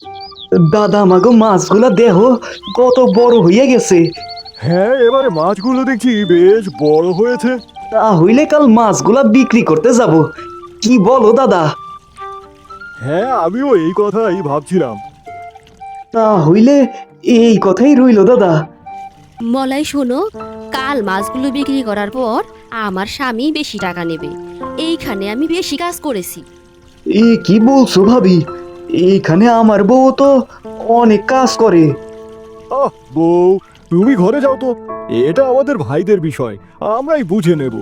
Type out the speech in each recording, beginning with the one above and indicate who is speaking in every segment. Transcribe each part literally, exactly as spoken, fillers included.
Speaker 1: দাদা আমাগো মাছগুলা দেহ কত বড় হইয়া গেছে।
Speaker 2: হ্যাঁ, এবারে মাছগুলো দেখছি বেশ বড় হয়েছে।
Speaker 1: তা হইলে কাল মাছগুলা বিক্রি করতে যাব, কি বলো দাদা?
Speaker 2: হ্যাঁ, আমিও এই কথাই ভাবছিলাম।
Speaker 1: তা হইলে এই কথাই রইলো দাদা।
Speaker 3: মলাই শোনো, কাল মাছগুলো বিক্রি করার পর আমার স্বামী বেশি টাকা নেবে। এইখানে আমি বেশি কাজ করেছি।
Speaker 1: এ কি বলছো ভাবি? এইখানে আমার বউ তো অনেক কাজ করে।
Speaker 2: আহ বউ, তুমি ঘরে যাও তো। এটা আমাদের ভাইদের বিষয়, আমরাই বুঝে নেব।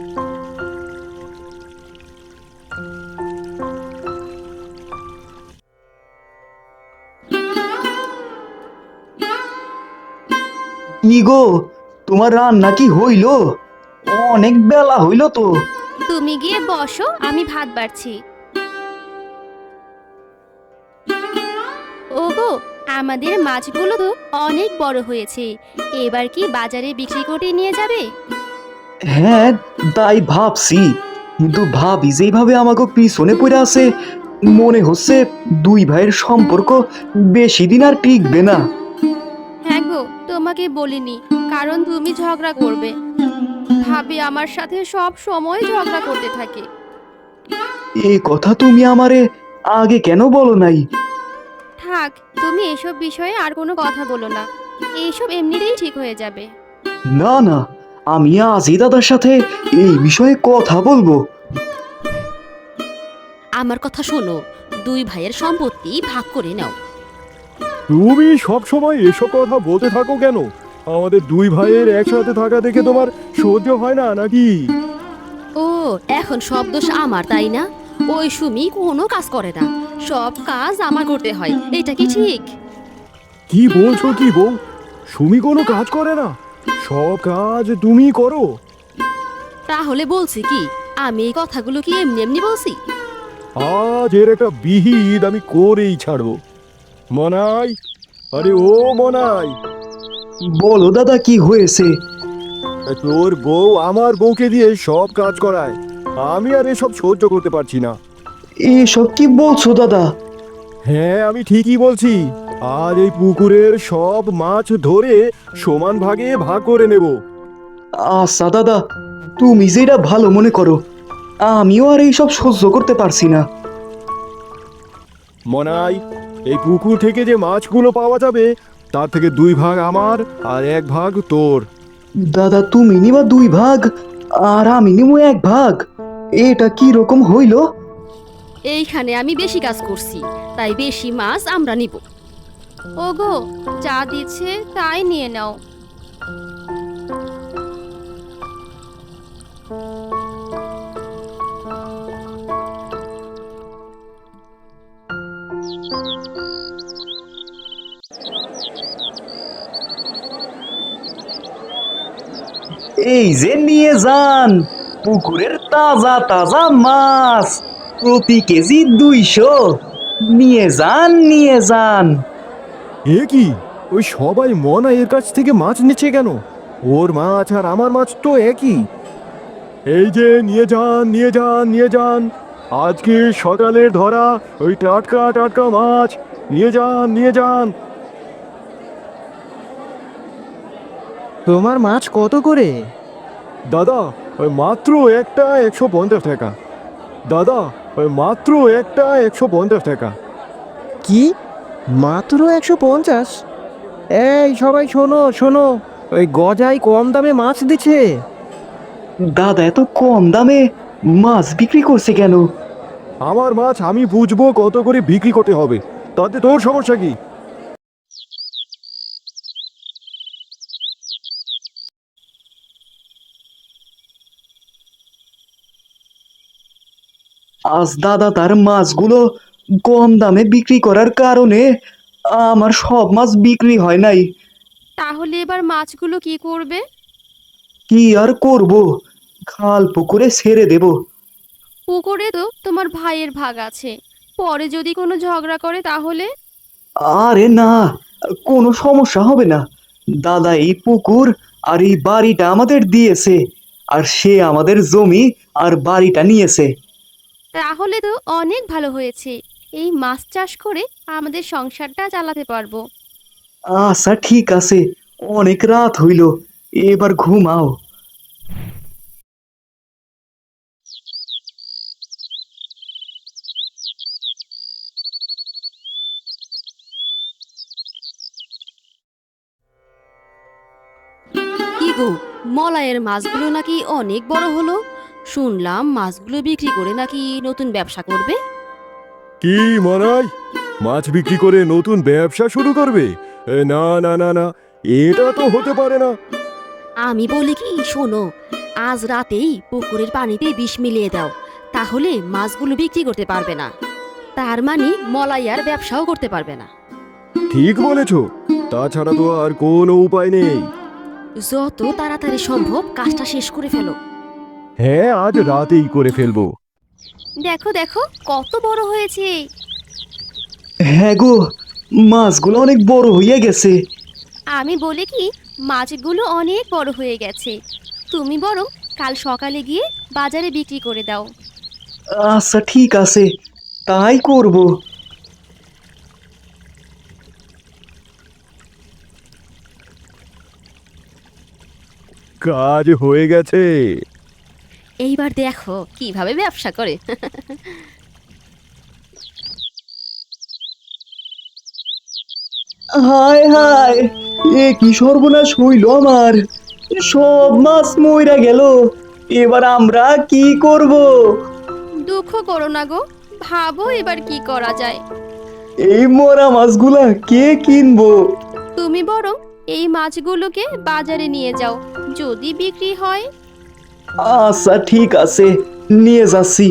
Speaker 1: কি গো, তোমার রান্না কি হইলো? অনেক বেলা হইলো তো।
Speaker 4: তুমি গিয়ে বসো, আমি ভাত বাড়ছি। ওগো, আমাদের মাছগুলো তো অনেক বড় হয়েছে। এবার কি বাজারে বিক্রি করে নিয়ে যাবে?
Speaker 1: হ্যাঁ, তাই ভাবছি, কিন্তু ভাবি যেভাবে আমাকে পিছনে পড়ে আছে, মনে হচ্ছে দুই ভাইয়ের সম্পর্ক বেশি দিন আর টিকবে না।
Speaker 4: হ্যাঁ গো, তোমাকে বলিনি, কারণ তুমি ঝগড়া করবে। ভাবি আমার সাথে সব সময় ঝগড়া করতে থাকে।
Speaker 1: এই কথা তুমি আমারে আগে কেন বলো নাই?
Speaker 4: থাক, তুমি এসব বিষয়ে আর কোনো কথা বলো না। এইসব এমনিতেই ঠিক হয়ে যাবে।
Speaker 1: না না, আমি আজই দাদার সাথে এই বিষয়ে কথা বলবো।
Speaker 3: আমার কথা শোনো, দুই ভাইয়ের সম্পত্তি ভাগ করে নাও।
Speaker 2: তুমি সব সময় এসব কথা বলতে থাকো কেন? আমাদের দুই ভাইয়ের একসাথে থাকা দেখে তোমার সহ্য হয় না নাকি?
Speaker 3: ও, এখন সব দোষ আমার, তাই না? ওই সুমি কোনো কাজ করে না, সব কাজ আমার করতে হয়। এটা কি ঠিক?
Speaker 2: কি বলছো কি বউ? সুমি কোনো কাজ করে না, সব কাজ তুমি করো?
Speaker 3: তাহলে বলছি কি, আমি এই কথাগুলো কি এমনি এমনি বলছি?
Speaker 2: আজ এর একটা বিহিত আমি করেই ছাড়বো। মনাই, আরে ও মনাই,
Speaker 1: বলো দাদা, কি হয়েছে?
Speaker 2: তোর বউ আমার বউকে দিয়ে সব কাজ করায়। আমি আর এসব সহ্য করতে পারছি না।
Speaker 1: এসব কি বলছো দাদা?
Speaker 2: হ্যাঁ, আমি ঠিকই বলছি। আজ এই পুকুরের সব মাছ ধরে সমান ভাগে ভাগ করে নেব।
Speaker 1: আচ্ছা দাদা, তুমি যেটা ভালো মনে করো, আমিও আর এইসব সহ্য করতে পারছি না।
Speaker 2: মনাই, এই পুকুর থেকে যে মাছগুলো পাওয়া যাবে তার থেকে দুই ভাগ আমার আর এক ভাগ তোর।
Speaker 1: দাদা, তুমি নিবা দুই ভাগ আর আমি নিবো এক ভাগ? এটা কি রকম হইলো?
Speaker 3: এইখানে আমি বেশি কাজ করছি, তাই বেশি মাছ আমরা নিব।
Speaker 4: ওগো, যা দিচ্ছে তাই নিয়ে নাও।
Speaker 1: এই যে নিয়ে যান পুকুরের তাজা তাজা মাছ, প্রতি কেজি দুইশো। নিয়ে যান, নিয়ে যান।
Speaker 2: এ কি, ওই সবাই মনাইয়ের কাছ থেকে মাছ নিচ্ছে কেন? ওর মাছ আর আমার মাছ তো একই। এই যে নিয়ে যান, নিয়ে যান, নিয়ে যান। আজকে সকালের ধরা ওই টাটকা টাটকা মাছ। নিয়ে যান, নিয়ে যান।
Speaker 5: তোমার মাছ কত করে?
Speaker 2: দাদা, ওই মাত্র একটা একশো পঞ্চাশ টাকা। দাদা, ওই মাত্র একটা একশো পঞ্চাশ টাকা।
Speaker 5: কি, মাত্র একশো পঞ্চাশ? এই সবাই শোনো শোনো, ওই গজাই কম দামে মাছ দিচ্ছে।
Speaker 1: দাদা এত কম দামে মাছ বিক্রি করছে কেন?
Speaker 2: আমার মাছ আমি বুঝবো কত করে বিক্রি করতে হবে, তাতে তোর সমস্যা কি?
Speaker 1: আজ দাদা তার মাছগুলো কম দামে বিক্রি করার কারণে আমার সব মাছ বিক্রি হয় নাই।
Speaker 4: তাহলে এবার মাছগুলো কি করবে?
Speaker 1: কি আর করব, খাল পুকুরে ছেড়ে দেব।
Speaker 4: পুকুরে তো তোমার ভাইয়ের ভাগ আছে, পরে যদি কোনো ঝগড়া করে তাহলে?
Speaker 1: আরে না, কোনো সমস্যা হবে না। দাদা এই পুকুর আর এই বাড়িটা আমাদের দিয়েছে, আর সে আমাদের জমি আর বাড়িটা নিয়েছে।
Speaker 4: তাহলে তো অনেক ভালো হয়েছে। এই মাছ চাষ করে আমাদের সংসারটা চালাতে পারবো।
Speaker 1: আচ্ছা ঠিক আছে, অনেক রাত হইল, এবার ঘুমাও।
Speaker 3: কি গো, মলায়ের মাছগুলো নাকি অনেক বড় হলো। শুনলাম মাছগুলো বিক্রি করে নাকি নতুন ব্যবসা করবে।
Speaker 2: কি মনাই, মাছ বিক্রি করে নতুন ব্যবসা শুরু করবে? এ, না না না না, এটা তো হতে পারে না।
Speaker 3: আমি বলি কি, শোনো, আজ রাতেই পুকুরের পানিতে বিষ মিলিয়ে দাও, তাহলে মাছগুলো বিক্রি করতে পারবে না। তার মানে মলাইয়ার ব্যবসাও করতে পারবে না।
Speaker 2: ঠিক বলেছ, তাছাড়া তো আর কোনো উপায় নেই।
Speaker 3: যত তাড়াতাড়ি সম্ভব কাজটা শেষ করে ফেলো।
Speaker 2: হ্যাঁ, আজ রাতেই করে ফেলবো।
Speaker 4: দেখো দেখো কত বড় হয়েছে।
Speaker 1: হ্যাঁ গো, মাছগুলো অনেক বড় হইয়া গেছে।
Speaker 4: আমি বলি কি, মাছগুলো অনেক বড় হয়ে গেছে। তুমি বরং কাল সকালে গিয়ে বাজারে বিক্রি করে দাও।
Speaker 1: আচ্ছা ঠিক আছে, তাই করব।
Speaker 2: কাজ হয়ে গেছে।
Speaker 3: এইবার দেখো কিভাবে ব্যবসা করে।
Speaker 1: হায় হায়, এ কি সর্বনাশ হইল আমার, সব মাছ মইরা গেল, এবার আমরা কি করব?
Speaker 4: দুঃখ করো না গো, ভাবো এবার কি করা যায়।
Speaker 1: এই মরা মাছগুলা কে কিনবো?
Speaker 4: তুমি বরং এই মাছগুলোকে বাজারে নিয়ে যাও, যদি বিক্রি হয়।
Speaker 1: আচ্ছা ঠিক আছে, নিয়ে যাচ্ছি।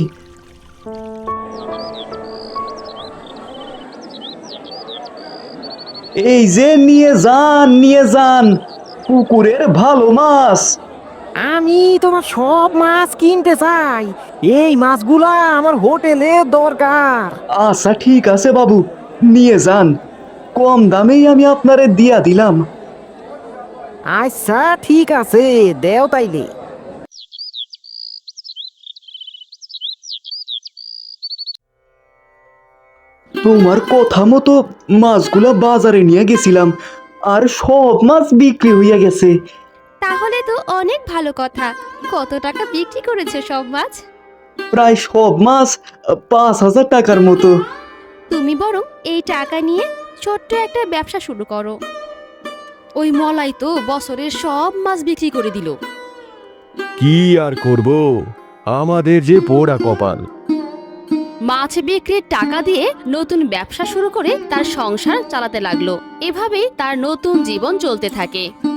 Speaker 1: এই যে নিয়ে যান, নিয়ে যান, পুকুরের ভালো মাছ।
Speaker 5: আমি তোমার সব মাছ কিনতে চাই, এই মাছগুলা আমার হোটেলে দরকার।
Speaker 1: আচ্ছা ঠিক আছে বাবু, নিয়ে যান, কম দামেই আমি আপনারে দিয়া দিলাম।
Speaker 5: আচ্ছা ঠিক আছে, দেও তাইলে।
Speaker 1: তোমার কথা মতো মাছগুলা বাজারে নিয়ে গেছিলাম, আর সব মাছ বিক্রি হইয়া গেছে।
Speaker 4: তাহলে তো অনেক ভালো কথা। কত টাকা বিক্রি করেছে সব মাছ?
Speaker 1: প্রায় সব মাছ আহ, পাঁচ হাজার টাকার মতো।
Speaker 4: তুমি বরং এই টাকা নিয়ে ছোট্ট একটা ব্যবসা শুরু করো।
Speaker 3: ওই মলাই তো বছরের সব মাছ বিক্রি করে দিল।
Speaker 2: কি আর করব, আমাদের যে পোড়া কপাল।
Speaker 3: মাছ বিক্রির টাকা দিয়ে নতুন ব্যবসা শুরু করে তার সংসার চালাতে লাগলো। এভাবেই তার নতুন জীবন চলতে থাকে।